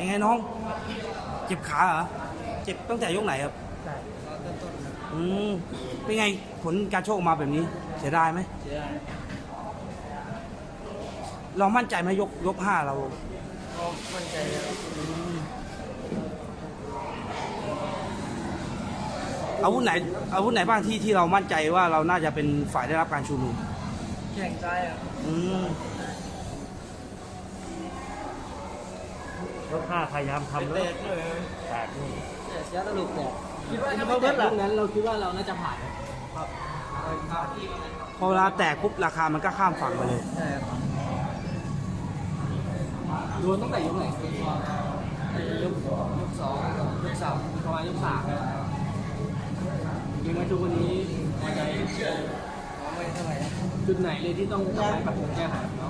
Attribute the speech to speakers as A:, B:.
A: ยังไงน้อง เจ็บขาเหรอ เจ็บตั้งแต่ยกไหนครับ
B: ใช่ต้นๆนะ
A: เป็นไงผลการโชคออกมาแบบนี้ เสียดายไหม
B: เสียดาย
A: เรามั่นใจไหมยกห้าเรา
B: ก็มั่นใจแล้ว
A: อาวุธไหนบ้างที่เรามั่นใจว่าเราน่าจะเป็นฝ่ายได้รับการชูมือ
B: แข่งซ้ายอ่ะ
A: อืม
C: ยกห้าพยายามทำ
B: เตะ
C: แล้ว
B: เลย
C: แตกนี่
B: เสียตลุกแตกคิดว่าถ้าไม่แตกลูกนั้นเราคิดว่าเราน่าจะผ่านครับ
A: พอเวลาแตกปุ๊บราคามันก็ข้ามฝั่งไปเลย
B: ใช่ครับโดนตั้งแต่ยกไหนยกสองยกสามประมาณยกสามยังมาทุกวันนี้พอใจไม่เท่าไหร่จุดไหนเลยที่ต้องปรับปรุงแก้ไข